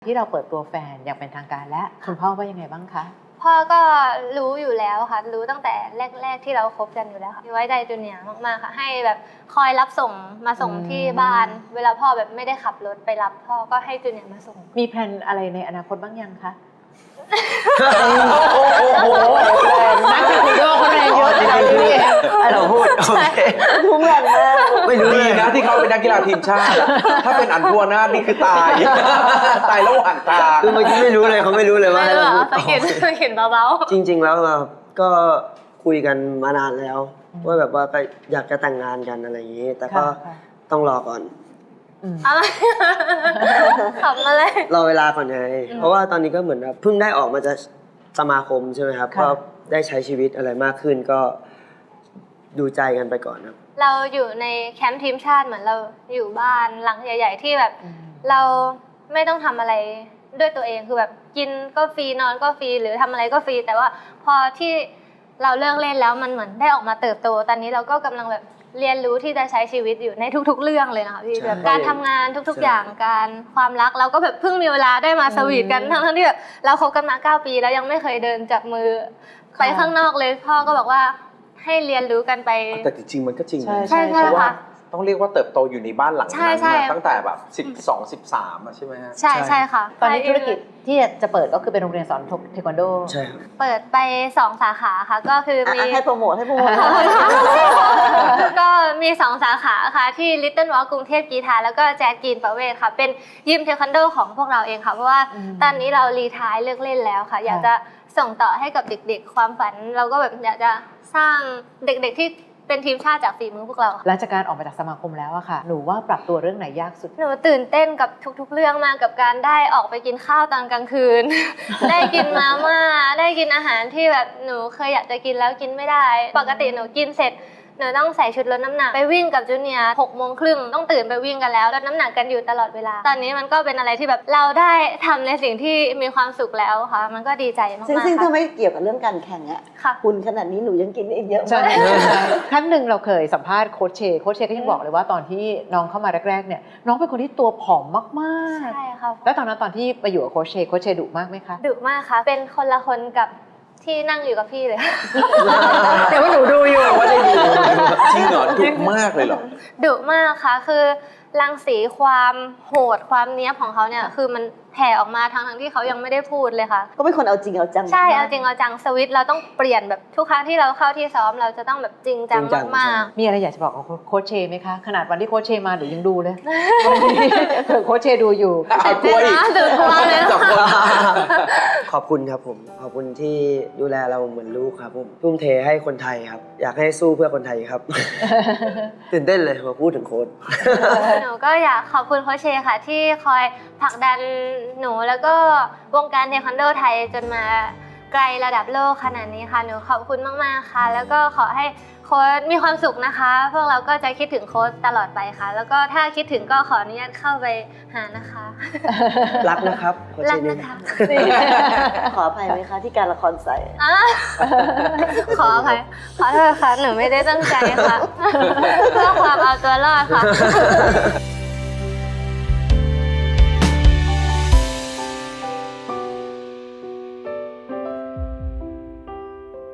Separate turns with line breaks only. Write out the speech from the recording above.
ที่เราเปิดตัวแฟนอย่างเป็นทางการและคุณพ่อว่ายังไงบ้างคะ
พ่อก็รู้อยู่แล้วค่ะรู้ตั้งแต่แรกๆที่เราคบกันอยู่แล้วค่ะไว้ใจจูเนียร์มากๆค่ะให้แบบคอยรับส่งมาส่งที่บ้านเวลาพ่อแบบไม่ได้ขับรถไปรับพ่อก็ให้จูเนียร์มาส่ง
มีแผนอะไรในอนาคตบ้างยังคะ
โอ้โห
นักคุยโยคนแรงเยอะจริงๆพี่
เราพูดโอเค
ทุ่งแรงมาก
ไม่รู้เลย
นะที่เขาเป็นนักกีฬาทีมชาติถ้าเป็นอันพัวนาถนี่คือตายระหว่างทาง
คือเมื่อกี้ไม่รู้เลยเขาไม่รู้เลยว่าเราพูด
เขียนเบา
ๆจริงๆแล้วเราก็คุยกันมานานแล้วว่าแบบว่าก็อยากจะแต่งงานกันอะไรอย่างนี้แต่ก็ต้องรอก่อน
อะไรขำอะไร
รอเวลาก่อนไงเพราะว่าตอนนี้ก็เหมือนแบบเพิ่งได้ออกมาจากสมาคมใช่ไหมครับก็ได้ใช้ชีวิตอะไรมากขึ้นก็ดูใจกันไปก่อนครับ
เราอยู่ในแคมป์ทีมชาติเหมือนเราอยู่บ้านหลังใหญ่ๆที่แบบเราไม่ต้องทำอะไรด้วยตัวเองคือแบบกินก็ฟรีนอนก็ฟรีหรือทำอะไรก็ฟรีแต่ว่าพอที่เราเลิกเล่นแล้วมันเหมือนได้ออกมาเติบโตตอนนี้เราก็กำลังแบบเรียนรู้ที่จะใช้ชีวิตอยู่ในทุกๆเรื่องเลยนะคะพี่แบบการทำงานทุกๆอย่างการความรักเราก็แบบเพิ่งมีเวลาได้มาสวีทกันทั้งที่แบบเราคบกันมา9 ปีแล้วยังไม่เคยเดินจับมือไปข้างนอกเลยพ่อก็บอกว่าให้เรียนรู้กันไป
แต่จริงๆมันก็จริง
ใช่
เพราะว่าต้องเรียกว่าเติบโตอยู่ในบ้านหลังนั้นมาตั้งแต่แบบ12-13ใช่ไหมฮะ
ใช่ค่ะ
ตอนนี้ธุรกิจที่จะเปิดก็คือเป็นโรงเรียนสอนเทควันโด
ใช่ครับ
เปิดไป2 สาขาค่ะก็คือมี
ให้โปรโมท
ก็มี2 สาขาค่ะที่ Little Walk กรุงเทพกีฬาแล้วก็แจ๊สกรีนประเวศค่ะเป็นยิมเทควันโดของพวกเราเองค่ะเพราะว่าตอนนี้เรารีไทร์เลิกเล่นแล้วค่ะอยากจะส่งต่อให้กับเด็กๆความฝันเราก็แบบอยากจะสร้างเด็กๆที่เป็นทีมชาติจากฝีมือพวกเรา
หลังจากการออกมาจากสมาคมแล้วอะค่ะหนูว่าปรับตัวเรื่องไหนยากสุด
หนูตื่นเต้นกับทุกๆเรื่องมากกับการได้ออกไปกินข้าวตอนกลางคืน ได้กินมาม่าได้กินอาหารที่แบบหนูเคยอยากจะกินแล้วกินไม่ได้ปกติหนูกินเสร็จหนูต้องใส่ชุดลดน้ำหนักไปวิ่งกับจูเนียร์6:30ต้องตื่นไปวิ่งกันแล้วลดน้ำหนักกันอยู่ตลอดเวลาตอนนี้มันก็เป็นอะไรที่แบบเราได้ทำในสิ่งที่มีความสุขแล้วค่ะมันก็ดีใจมากๆ
ซึ่งถ้าไม่เกี่ยวกับเรื่องการแข่งอะคุณขนาดนี้หนูยังกินอีกเยอะมาก
ครั้งหนึ่งเราเคยสัมภาษณ์โค้ชเชก็ยังบอกเลยว่าตอนที่น้องเข้ามาแรกๆเนี่ยน้องเป็นคนที่ตัวผอมมาก
ๆใช่ค่ะ
แล้วตอนที่ไปอยู่กับโค้ชเชดุมากไหมคะ
ดุมากค่ะเป็นคนละคนกับที่นั่งอยู่กับพี่เลย
แต่ว่าหนูดูอยู่
ว่าได้ดูจริงเหรอดุมากเลยเหรอ
ดุมากค่ะคือรังสีความโหดความเนี้ยบของเขาเนี่ยคือมันแผ่ออกมาทั้งที่เขายังไม่ได้พูดเลยค่ะ
ก็เป็นคนเอาจริงเอาจัง
ใช่เอาจริงเอาจังสวิตช์เราต้องเปลี่ยนแบบทุกครั้งที่เราเข้าที่ซ้อมเราจะต้องแบบจริงจังมาก
ๆมีอะไรอยากจะบอกกับโค้ชเชไหมคะขนาดวันที่โค้ชเชมาหนูยังดูเลยโค้ชเชดูอยู่
กลัวอีก
กลัวเลย
ขอบคุณครับผมขอบคุณที่ดูแลเราเหมือนลูกครับผมทุ่มเทให้คนไทยครับอยากให้สู้เพื่อคนไทยครับตื่นเต้นเลยมาพูดถึงโค้ช
หนูก็อยากขอบคุณโค้ชเชค่ะที่คอยผลักดันหนูแล้วก็วงการเทควันโดไทยจนมาไกลระดับโลกขนาดนี้ค่ะหนูขอบคุณมากๆค่ะแล้วก็ขอให้โค้ชมีความสุขนะคะพวกเราก็จะคิดถึงโค้ชตลอดไปค่ะแล้วก็ถ้าคิดถึงก็ขออนุญาตเข้าไปหานะคะ
รักนะครับ
รักนะคะ
ขออภัยไหมคะที่การละครใส่
ขออภัยขอโทษค่ะหนูไม่ได้ตั้งใจค่ะเพื่อความเอาตัวรอดค่ะ